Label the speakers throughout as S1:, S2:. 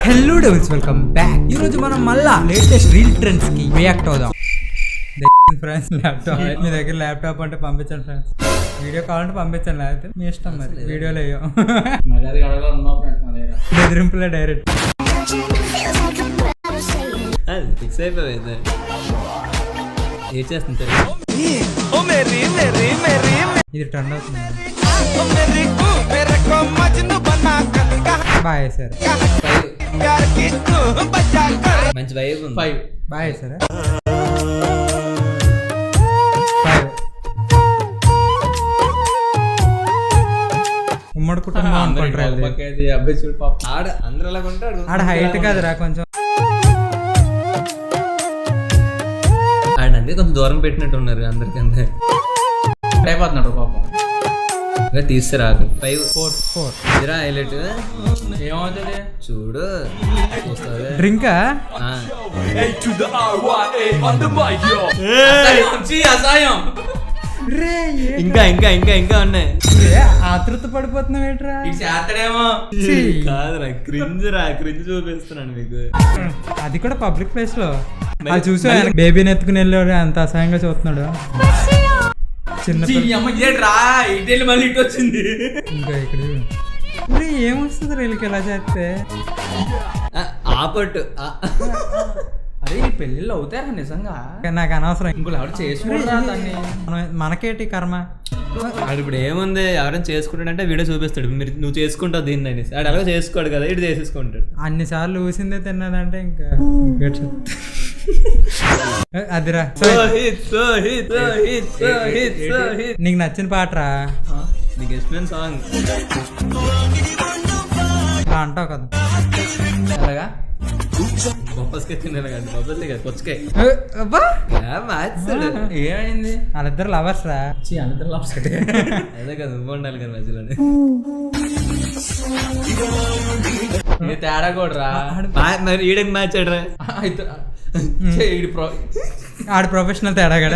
S1: Hello devils, welcome back. ఈ రోజు మనం మళ్ళా లేటెస్ట్ రీల్ ట్రెండ్స్ కి రియాక్ట్ అవుదాం. ఫ్రెండ్స్ ల్యాప్టాప్ మీ దగ్గర ల్యాప్టాప్ అంటే పంపించండి ఫ్రెండ్స్. వీడియో కావాలంటే పంపించండి, లేకపోతే మీ ఇష్టం. మరి వీడియోలో అయ్యో బెదిరింపులే డైరెక్ట్
S2: ఫిక్స్ అయిపోయింది. ఏం చేస్తుంది
S1: ఇది ట్రెండ్ అవుతుంది. బాయ్ సార్,
S2: మంచి వైబ్ ఉంది.
S1: Bye sir. ఉమ్మడి కుటుంబం అనుకుంటారు.
S2: అందరూ అలా ఉంటాడు.
S1: ఆడ హైట్ కాదురా కొంచెం.
S2: ఆడంటే కొంచెం దూరం పెట్టినట్టు ఉన్నారు అందరికంటే.
S3: అయిపోతున్నాడు పాపం.
S2: తీసుకురాకు 5
S1: 4
S2: ఇరా హైలైట్
S3: ఏమవుతుంది
S2: చూడు.
S1: డ్రింకా
S3: అసహాయం.
S2: ఇంకా ఇంకా ఇంకా ఇంకా ఉన్నాయి.
S1: ఆతృత పడిపోతున్నావు ఏంట్రా?
S3: చేస్తాడేమో.
S2: కాదురా క్రింజ్ చూపిస్తున్నాను మీకు.
S1: అది కూడా పబ్లిక్ ప్లేస్ లో. అది చూసా బేబీని ఎత్తుకుని వెళ్ళాడు, అంత అసహ్యంగా చూస్తున్నాడు. చిన్న
S3: ఇటు మళ్ళీ ఇటు వచ్చింది.
S1: ఇంకా ఇక్కడ ఏమొస్తుంది వీళ్ళకి ఎలా చేస్తే.
S2: ఆపట్టు
S3: అరే ఈ పెళ్ళిళ్ళు అవుతారా నిజంగా?
S1: నాకు అనవసరం.
S3: ఇంకోళ్ళు ఎవరు చేసుకుంటారా దాన్ని?
S1: మనకేటి కర్మ.
S2: ఆడు ఇప్పుడు ఏముంది, ఎవరైనా చేసుకుంటాడంటే వీడియో చూపిస్తాడు. మీరు నువ్వు చేసుకుంటావు దీన్ని అనేసి. ఆడు అలాగే చేసుకోడు కదా, ఇటు చేసేసుకుంటాడు.
S1: అన్నిసార్లు ఊసిందే తిన్నదంటే ఇంకా అదిరా. నీకు నచ్చిన పాటరా?
S2: నీకు ఇష్టమైన సాంగ్
S1: ఇలా అంటావు కదా.
S3: అలాగా
S2: బొప్పస్కాయ తిన్నాను కానీ బొప్పస్కాయ కదా పుచ్చకాయ.
S3: ఏమైంది?
S1: వాళ్ళిద్దరు లవర్స్ రా.
S2: అదే కదా నువ్వు ఉండాలి కదా మధ్యలోనే.
S3: తేడా కూడా రా.
S2: మరి ఈడకి మ్యాచ్ ఆడరా.
S1: ఆడు ప్రొఫెషనల్ తేడా కదా.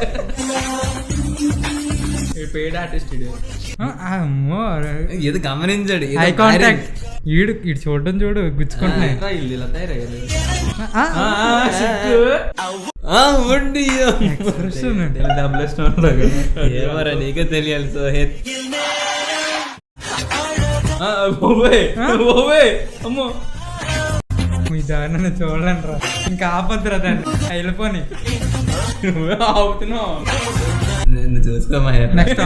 S3: పెయిడ్ ఆర్టిస్ట్
S1: అమ్మో,
S2: ఏదో గమనించాడు.
S1: Eye contact. ఈడు చూడడం చూడు, గుచ్చుకుంటున్నాయి.
S2: ఏమరా నీకే తెలియాలి సోహెత్.
S3: అమ్మో
S1: మీ దారిని చూడలేను రా. ఇంకా ఆపద్దురా దాన్ని, వెళ్ళిపోని.
S3: అవుతున్నావు.
S2: నిన్ను చూసుకోమా.
S1: నెక్స్ట్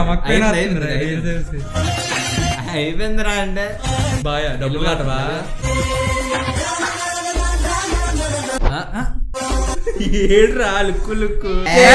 S2: అయిపోయిందిరా అంటే
S3: బాయ్ డబ్బులు కట్టవా? ఏడ్రా లుక్కు లుక్కు.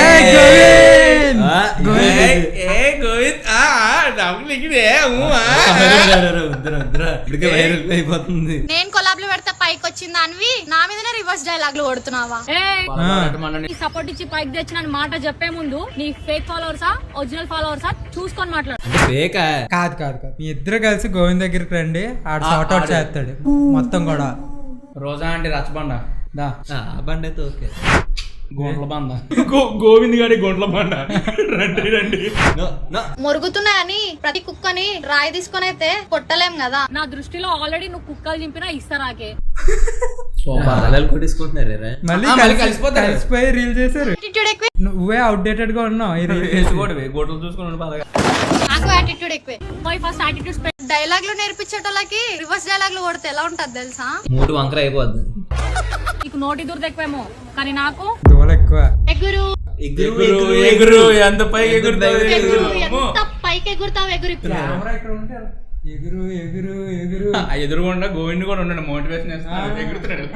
S2: అయిపోతుంది.
S4: నేను కొలాబ్లు పెడితే పైకి వచ్చింది అనివి నా మీదనే రివర్స్ డైలాగ్ లు కొడుతున్నావా?
S5: సపోర్ట్ ఇచ్చి పైకి తెచ్చిన మాట చెప్పే ముందు నీ ఫేక్ ఫాలోవర్సా ఒరిజినల్ ఫాలోవర్సా చూసుకొని మాట్లాడు.
S1: కాదు కాదు కాదు, మీ ఇద్దరు కలిసి గోవింద్ దగ్గరికి రండి, ఆడ షార్ట్ అవుట్ చేస్తాడు మొత్తం కూడా.
S3: రోజా అంటే రచ్చబండ దా
S2: బండి అయితే ఓకే.
S3: గోంట్ల బండ గోవింద్ గారి గోంట్ల బండ. రండి రండి.
S4: మురుగుతున్నాయని ప్రతి కుక్కని రాయి తీసుకొని అయితే కొట్టలేం కదా.
S5: నా దృష్టిలో ఆల్రెడీ నువ్వు కుక్కలు చింపినా ఇస్తారాకే.
S2: కొట్టించుకుంటున్నారు
S1: మళ్ళీ కలిసిపోయి రీల్ చేశారు. నువ్వే అవుట్డేటెడ్ గా ఉన్నావు.
S3: గోటలు చూసుకుని బాగా
S4: నాకు యాటిట్యూడ్ ఎక్కువే.
S5: ఫస్ట్ యాటిట్యూడ్
S4: డైలాగ్ లు నేర్పించేటోళ్ళకి రివర్స్ డైలాగ్ లు కొడితే ఎలా ఉంటది తెలుసా?
S2: మూడు వంకర అయిపోద్ది.
S5: నీకు నోటి దురద ఎక్కువేమో, కానీ నాకు
S1: దోల ఎక్కువ.
S4: ఎగురు
S3: ఎగురు ఎంత పైకి ఎగురుతావు.
S4: ఎంత పైకి ఎగురుతావు ఎగురు.
S1: ఎగురు ఎగురు ఎగురు.
S3: ఎదురుగుండా గోవింద్ కూడా ఉన్నాడు, మోటివేషన్ చేస్తున్నాడు, ఎగురుతున్నాడు.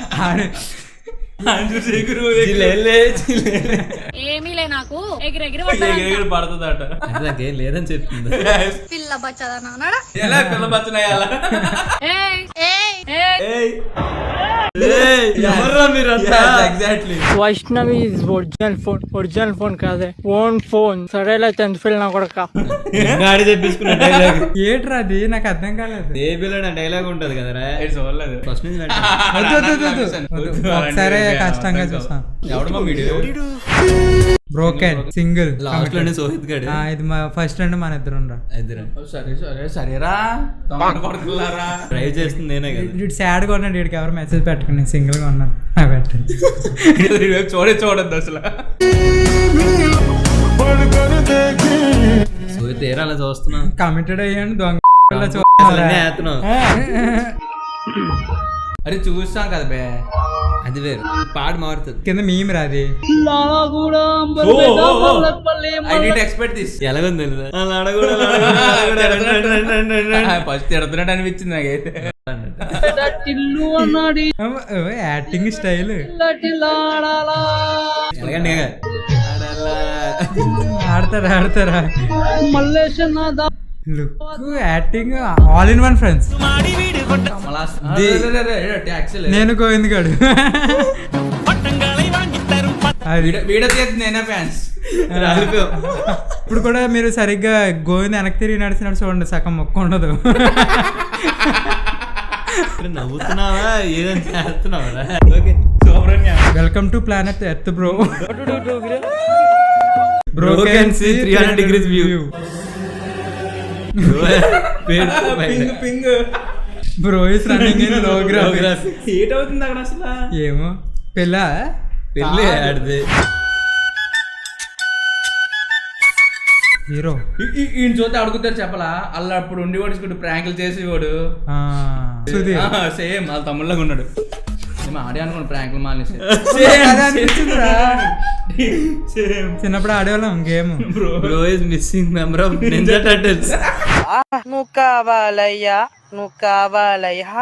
S5: ఏమీ లే, నాకు ఎగిరెగిరి
S3: ఎగిరి పడుతుందట.
S2: నాకేం లేదని చెప్తుంది.
S4: పిల్ల బచ్చదనా అన్నాడా?
S3: ఎలా పిల్ల బచ్చనాయి అలా. Exactly.
S6: Vaishnavi is original phone కాదే, ఓన్ ఫోన్. సరేలా 10th ఫెయిల్ నా కొడక.
S2: చెప్పించుకున్న డైలాగ్
S1: ఏట్రా అది? నాకు అర్థం కాలేదు.
S2: బేబీలో డైలాగ్ ఉంటది కదరా,
S3: చూడలేదు
S2: ఫస్ట్ నుంచి
S1: ఒకసారి కష్టంగా చూసాం.
S3: ఎవడమ్మా వీడియో?
S1: బ్రోకెన్ సింగిల్
S2: లాస్ట్ లోనే సోహిత్ గడు
S1: ఇది మా ఫస్ట్ అండ్ మన ఇద్దరం రా
S2: ఇద్దరు
S3: సరేరా తమ్ముడు కొడుకులారా
S2: డ్రైవ్ చేస్తుంది నేనే కదా
S1: ఇటు సాడ్ గా ఉన్నాడు, వీడికి ఎవరు మెసేజ్ పెట్టకండి, సింగిల్ గా ఉన్నాను పెట్టండి.
S3: చూడద్దు అసలు.
S2: సోహిత్ ఏరా అలా చూస్తున్నా
S1: కమిటెడ్ అయ్యాను దొంగ
S3: అరే చూస్తాం కదా బే,
S2: అది వేరు పాడు మారుతుంది
S1: కింద మీమ్ రాది.
S3: I did expect this.
S2: ఎలాగుంది
S3: ఫస్ట్ తిడుతున్నట్టు అనిపించింది నాకైతే.
S1: యాక్టింగ్ స్టైల్ ఆడతారా look acting all in one friends. నేను గోవింద్ గాడు
S3: వీడియో చేసి నేనే ఫ్యాన్స్.
S1: ఇప్పుడు కూడా మీరు సరిగ్గా గోవింద్ వెనక్కి తిరిగి నడిచినట్టు చూడండి, సగం మొక్క ఉండదు.
S2: నవ్వుతున్నావా ఏదైనా చేస్తున్నావా?
S1: Welcome to planet earth bro.
S2: Broken see 300 degrees view.
S3: Ping
S1: bro is running in low graphics.
S3: Heat అవుతుంది అక్కడ అసలు.
S1: ఏమో పెళ్ళి
S2: ఆడితే
S1: హీరో
S3: ఈయన చూస్తే అడుగుతారు చెప్పలా, అలా అప్పుడు ఉండేవాడు ఇప్పుడు ప్రాంకులు చేసేవాడు. సేమ్ వాళ్ళ తమ్ముళ్ళగా ఉన్నాడు. మేము ఆడే అనుకోండి ప్రాంకులు మానేసి.
S1: చిన్నప్పుడు ఆడేవాళ్ళం game.
S2: Bro is missing member of ninja turtles.
S7: నువ్వు కావాలయ్యా నువ్వు కావాలయ్యా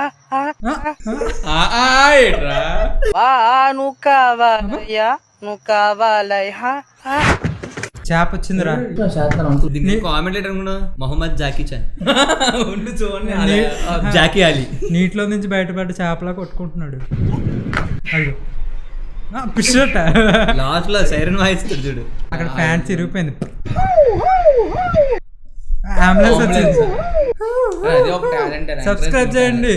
S7: నువ్వు కావాలయ్యా నువ్వు కావాలయ్యా.
S1: చేప వచ్చిందిరా.
S2: కామెంటేటర్ కూడా మొహమ్మద్ జాకీ చాన్ చూడండి, జాకీ అలీ
S1: నీటిలో నుంచి బయటపడ్డ చేపలా కొట్టుకుంటున్నాడు. అయ్యో పిషట
S2: లాస్ట్ లో సైరన్ వాయిస్తాడు చూడు,
S1: అక్కడ ఫ్యాన్ చిరిగిపోయింది. అంబులెన్స్ వచ్చింది.
S3: అది ఒక టాలెంట్.
S1: సబ్స్క్రైబ్ చేయండి.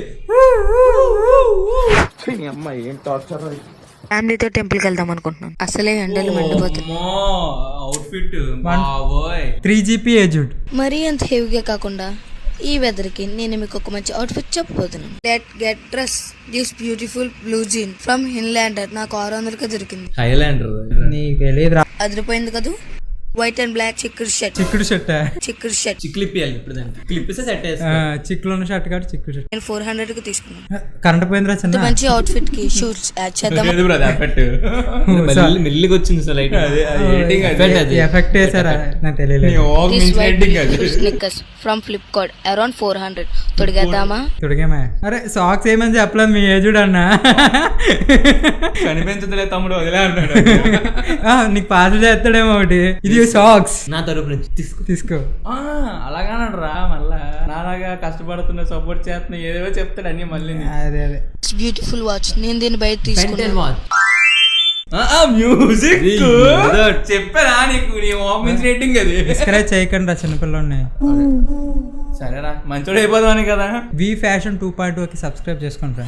S8: ఫ్యామిలీతో టెంపుల్కి వెళ్దాం అనుకుంటున్నాను. అసలే ఎండలు మండిపోతుంది.
S3: అవుట్ఫిట్ బాబోయ్
S1: 3GP ఏజ్డ్.
S8: మరీ అంత హెవీగా కాకుండా ఈ వెదర్ కి నేను మీకు ఒక మంచి అవుట్ఫిట్ చెప్పబోతున్నాను. Get dress this beautiful blue jean from Highlander. నాకు 600కి దొరికింది.
S2: హైలాండర్
S1: నీకు తెలియదురా.
S8: అదిరిపోయింది కదా. వైట్ అండ్ బ్లాక్ చిక్కుడు షర్ట్.
S1: చిక్కుడు షర్ట్
S2: చిక్లిప్పియాలి ఇప్పుడు దానికి క్లిప్పిస్తే సెట్
S1: చిక్కులు ఉన్న షర్ట్ కాదు చిక్కుడు షర్ట్.
S8: నేను 400కి తీసుకున్నాను.
S1: కరెంట్ పోయిందిరా
S8: ఇంత
S1: చిన్న.
S8: మంచి అవుట్ఫిట్ కి షూట్స్ యాడ్ చేద్దాం.
S2: మెల్లిగా వచ్చింది సార్ లైట్
S1: ఎఫెక్ట్ వేసారా నాకు తెలియలేదు.
S8: Sneakers from Flipkart around 400. తొడిగేద్దామా?
S1: తొడిగేమా. అరే సాక్స్ ఏమని చెప్పలేదు మీ ఏజుడు అన్న.
S3: కనిపించదులే తమ్ముడు వదిలే అన్నాడు.
S1: నీకు పాస్ చేస్తాడేమో ఒకటి. ఇది సాక్స్
S2: నా తరపు నుంచి
S1: తీసుకో.
S3: అలాగన్నాడు రా. మళ్ళా నాలాగా కష్టపడుతున్నా సపోర్ట్ చేస్తున్నా ఏదో చెప్తాడు అన్ని మళ్ళీ.
S1: అదే
S8: బ్యూటిఫుల్ వాచ్. నేను దీన్ని బయట తీసుకున్నాను.
S3: మ్యూజిక్ చెప్పారా నీకు? నీ వాక్ రేటింగ్ అది.
S1: డిస్కరేజ్ చేయకండి రా చిన్నపిల్లల్ని.
S3: సరేరా మంచోడు అయిపోదామని కదా.
S1: వి ఫ్యాషన్ 2.0కి సబ్స్క్రైబ్ చేసుకోండి.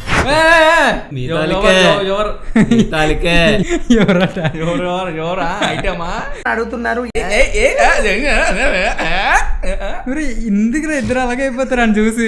S3: ఎవరా ఐటమా
S7: అడుగుతున్నారు.
S1: ఇందుకు ఇద్దరు అలాగే అయిపోతారు అని చూసి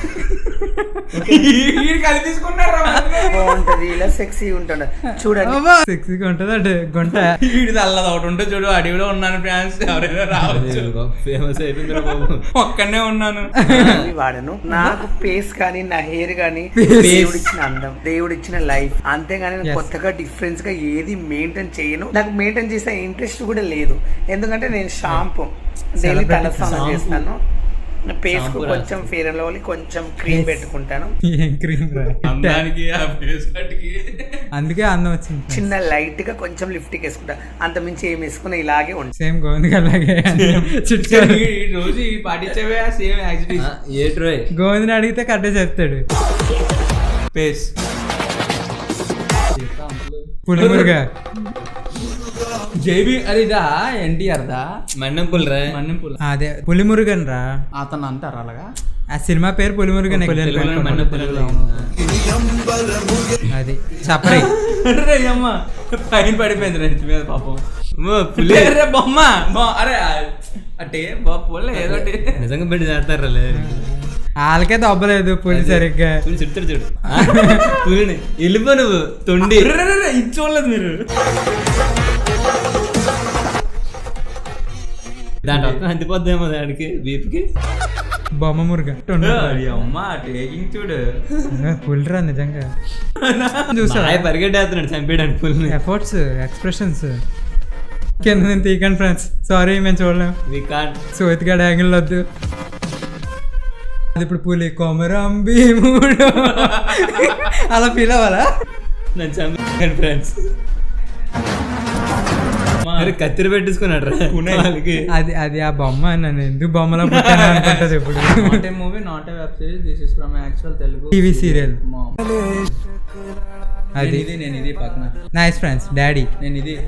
S3: కలిపించుకున్నారా.
S7: బాగుంటది ఇలా సెక్సీ ఉంటాడు చూడండి.
S1: సెక్సీగా ఉంటది అంటే గుంట.
S3: వీడిది అల్లది ఒకటి ఉంటే చూడు. అడవిలో ఉన్నాను ఫ్యాన్స్ ఎవరైనా రావచ్చు.
S2: ఫేమస్ అయిపోయింది బాబు.
S3: ఒక్కనే ఉన్నాను.
S7: వాడను. నాకు ఫేస్ కానీ నా హెయిర్ కానీ దేవుడిచ్చిన అందం, దేవుడిచ్చిన లైఫ్. అంతేగాని నేను కొత్తగా డిఫరెన్స్ గా ఏది మెయింటైన్ చేయను. నాకు మెయింటైన్ చేసే ఇంట్రెస్ట్ కూడా లేదు. ఎందుకంటే నేను షాంపూ డైలీ తలస్నానం చేస్తాను. ఫేస్ కు కొంచెం ఫేర్ అండ్ లవ్లీ కొంచెం క్రీమ్ పెట్టుకుంటాను.
S1: ఏం క్రీమ్ రా.
S3: అందానికి ఆ ఫేస్ కట్కి
S1: అందుకే అందం వచ్చింది.
S7: చిన్న లైట్ గా కొంచెం లిప్స్టిక్ వేసుకుంటా. అంత మించి ఏం వేసుకున్నా ఇలాగే ఉంటుంది.
S1: సేమ్ గోవింద్ అలాగే
S3: రోజు పాటించేవే సేమ్ యాక్టివిటీస్.
S2: ఏ ట్రోయ్
S1: గోవింద్ని అడిగితే కరెక్టే చెప్తాడు.
S3: ఫేస్
S1: పులిమురుగా
S3: జేబీ అరిదా ఎన్టీఆర్ దా
S2: మన్నెంపుల్ రా.
S3: మన్నెంపుల్
S1: అదే పులిమురుగన్ రా.
S3: అతను అంటారు అలాగా.
S1: ఆ సినిమా పేరు పులిమురుగన్.
S2: మన్నెంపుల్
S1: అది చప్పరి.
S3: అరే అమ్మ పైన పడిపోయింది నెత్తి మీద పాపం.
S2: పులి
S3: అరే బొమ్మ అరే అంటే పోలే ఏదోటి
S2: నిజంగా పెట్టి చేస్తారా
S1: వాళ్ళకే దొబ్బలేదు పులి సరిగ్గా.
S2: పులి చెప్తారు చూడు పులిని వెళ్ళిపో నువ్వు తొండి.
S3: ఇది చూడలేదు మీరు.
S2: దాంట్లో ఒక్క అంతిపోద్దేమో దానికి బీప్కి.
S1: బొమ్మ మురుగ
S3: అమ్మ టేకింగ్ చూడు.
S1: పులిరా నిజంగా చూసా.
S2: పరిగెట్టేస్తున్నాడు చంపేయడానికి పులిని.
S1: ఎఫర్ట్స్ ఎక్స్ప్రెషన్స్ కింద నేను తీయకండి ఫ్రెండ్స్, సారీ మేము చూడలేం.
S2: We can't.
S1: సోతిగాడ యాంగిల్ వద్దు. అది ఇప్పుడు పులి కొమరం భీముడు అలా ఫీల్ అవ్వాలా?
S2: నన్ను చంపేయండి ఫ్రెండ్స్. మరి కత్తిరి పెట్టేసుకున్నాడు రా
S1: అది అది ఆ బొమ్మ. నన్ను ఎందుకు బొమ్మలో పుట్టాను అనుకుంటుంది ఇప్పుడు.
S3: Not a movie, not a web series, this is from actual Telugu
S1: TV serial. అది
S3: నేను ఇది పక్కన
S1: నైస్ ఫ్రెండ్స్. డాడీ
S3: నేను ఇది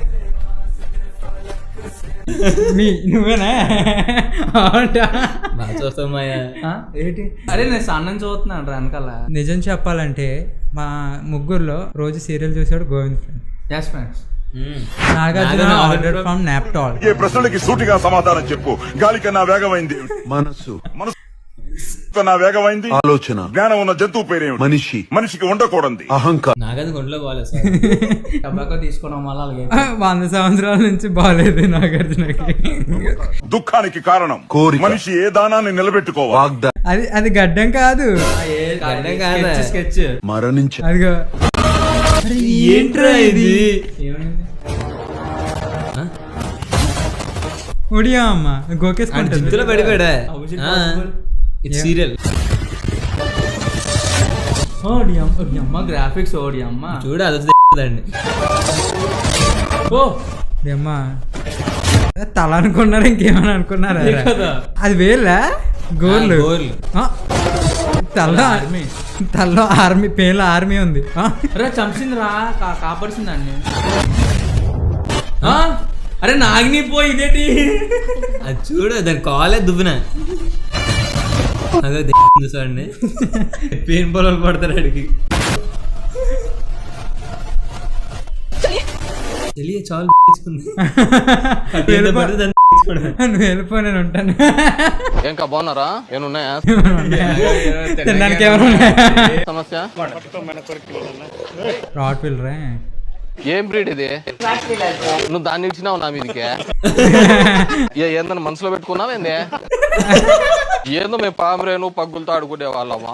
S1: నువ్వేనా?
S2: బాగా చూస్తాం
S3: ఏంటి? అరే నేను సన్నం చూస్తున్నాను రా వెనకాల.
S1: నిజం చెప్పాలంటే మా ముగ్గురులో రోజు సీరియల్ చూసాడు Govind friend.
S3: Yes friends.
S1: Nagarjuna order from Naaptol.
S9: ఏ ప్రశ్నలకి సూటిగా సమాధానం చెప్పు. గాలి కన్నా వేగమైంది మనసు, మనసు కన్నా వేగమైంది ఆలోచన. జ్ఞానం ఉన్న జంతువు పేరేమిటి? మనిషి. మనిషికి ఉండకూడదు అహంకారం.
S2: నాగది గుండెలో బాగాలేదు సార్.
S3: టబాకో తీసుకోవడం వల్ల అలాగే
S1: 100 సంవత్సరాల నుంచి బాగాలేదు నాగార్జునకి.
S9: దుఃఖానికి కారణం కోరిక. మనిషి ఏ దానాన్ని నిలబెట్టుకోవాలి.
S1: అది అది గడ్డం కాదు,
S3: స్కెచ్
S9: మరణించి
S1: అదిగో.
S2: ఏంట్రా ఇది?
S1: ఒడియా అమ్మ గోకేసుకుంటుంది.
S2: జిత్తులో పడిపోయాడా? ఇది సీరియల్.
S3: ఓడి అమ్మ గ్రాఫిక్స్. ఓడి అమ్మ
S2: చూడు అది వచ్చి
S3: ఓ
S1: అమ్మా తల అనుకున్నారు, ఇంకేమని అనుకున్నారా? అది వేలా గోర్లు.
S2: గోర్లు.
S1: తల్లో ఆర్మీ పేర్ల ఆర్మీ ఉంది.
S3: అరే చంపింది రా, కాపాడుతుంది దాన్ని. అరే నాగిని పోయి ఇదేటి?
S2: అది చూడు దాని కాలే దువ్వున అదే చూసాండి. పెయిన్ పొలాలు పడతారు అడిగి. తెలియ చాలు
S1: నువ్వు వెళ్ళిపో, నేను ఉంటాను.
S10: ఇంకా బాగున్నారా? ఏమున్నాయా
S1: తినడానికి ఏమన్నా
S10: సమస్య?
S1: రాట్ పిల్లరే.
S10: ఏం బ్రీడ్ ఇది? నువ్వు దాన్ని ఇచ్చినావు నా మీదకే? ఏందని మనసులో పెట్టుకున్నావు ఏంది? ఏందో మేము పామరేను పగ్గులతో ఆడుకునే వాళ్ళమా?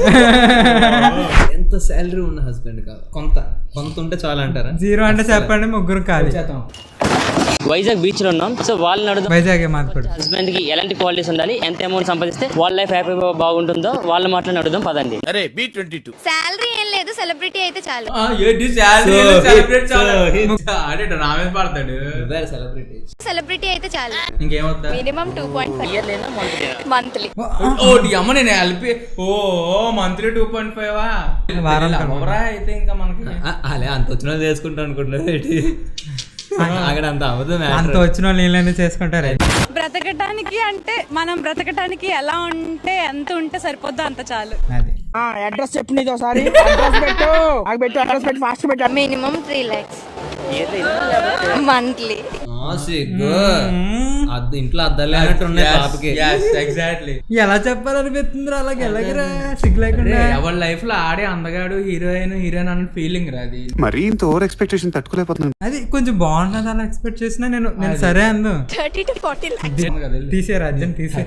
S2: ఎంత శాలరీ ఉన్న హస్బెండ్ కాదు, కొంత కొంత ఉంటే చాలా అంటారా?
S1: 0 అంటే చెప్పండి, ముగ్గురు కాదు.
S11: వైజాగ్ బీచ్ లో ఉన్నాం. సో వాళ్ళని అడుగుదాం
S1: వైజాగ్ మాట్లాడు.
S11: హస్బెండ్ కి ఎలాంటి క్వాలిటీస్ ఉండాలి, ఎంత అమౌంట్ సంపాదిస్తే వాళ్ళ లైఫ్ హ్యాపీగా బాగుంటుందో వాళ్ళ మాటలను అడుగుదాం పదండి.
S10: అరే B22
S4: శాలరీ ఏం లేదు, సెలబ్రిటీ అయితే చాలు.
S3: రామేష్ పడతాడు.
S4: సెలబ్రిటీ అయితే చాలు.
S3: ఇంకేమవుతా?
S4: Minimum 2.5 monthly.
S3: ఓడి అమ్మ నేను కలిపి మంత్లీ 2.5 వారా అయితే ఇంకా మనకి
S2: అలా అంత వచ్చిన చేసుకుంటా అనుకుంటున్నారు అక్కడ అంత అవ్వదు.
S1: అంత వచ్చిన వాళ్ళు నీళ్ళని చేసుకుంటారు.
S5: బ్రతకటానికి అంటే మనం బ్రతకటానికి ఎలా ఉంటే ఎంత ఉంటే సరిపోద్దో అంత చాలు.
S1: అది
S6: అడ్రస్ చెప్పు, నీది ఒకసారి అడ్రస్ పెట్టు ఫాస్ట్ పెట్టు.
S4: Minimum 3 lakhs monthly.
S2: ఇంట్లో అద్దాలు లేనట్టు ఉన్నాయి పాపకి.
S3: ఎగ్జాక్ట్లీ.
S1: ఎలా చెప్పాలనిపిస్తుంది అలాగే ఎలాగరా సిగ్గు లేకుండా.
S3: ఎవరి లైఫ్ లో ఆడే అందగాడు హీరోయిన్ అన్న ఫీలింగ్ రాది.
S9: మరి ఇంత ఓవర్ ఎక్స్పెక్టేషన్ తట్టుకోలేకపోతున్నాను.
S1: అది కొంచెం బాగుంటుంది అలా ఎక్స్పెక్ట్ చేసినా నేను సరే అందు
S4: 30 to 40 lakhs
S1: తీసేరు అర్జెంట్ తీసే.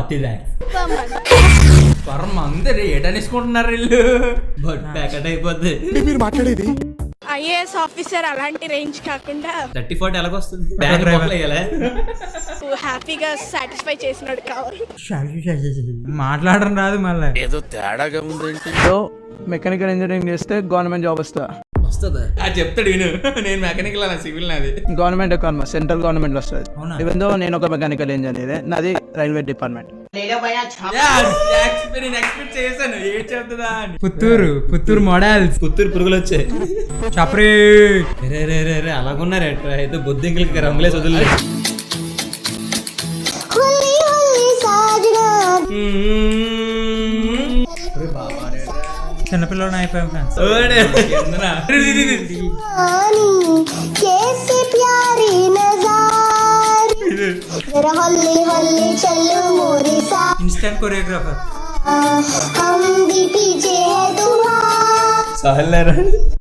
S3: పరం అందరు ఏటనేసుకుంటున్నారు వీళ్ళు.
S2: బట్ ప్యాకెట్ అయిపోద్ది.
S9: మీరు మాట్లాడేది
S5: ఐఏఎస్ ఆఫీసర్ అలాంటి రేంజ్ కాకుండా
S2: 30-40 ఎలాగొస్తుంది? బ్యాగ్ పోట్లేయాలి.
S5: హ్యాపీగా సాటిస్ఫై చేసినాడు కావాలి.
S1: మాట్లాడడం రాదు మళ్ళీ.
S10: ఏదో తేడాగా ఉందేంటి?
S6: మెకానికల్ ఇంజనీరింగ్ చేస్తే గవర్నమెంట్ జాబ్ వస్తుందా?
S2: వస్తుందా?
S3: అది చెప్తాడు విను. నేను మెకానికల్ అన్న సివిల్ నాది.
S6: గవర్నమెంట్ సెంట్రల్ గవర్నమెంట్ వస్తుంది. ఈవెన్ దో నేను ఒక మెకానికల్ ఇంజనీర్, నాది రైల్వే డిపార్ట్మెంట్.
S3: నేను ఎక్స్పెక్ట్ చేశాను ఏం చెప్తుందా అని.
S1: పుత్తూరు మోడల్స్.
S2: పుత్తూరు పురుగులు వచ్చాయి.
S1: చప్రీ
S2: రే రే రే రే అలాగున్నారు ఎట్లా అయితే బొద్దింకలకి రంగులే వదిలే.
S1: చిన్నపిల్లలు అయిపోయాం ఫ్రెండ్స్. Instant choreographer.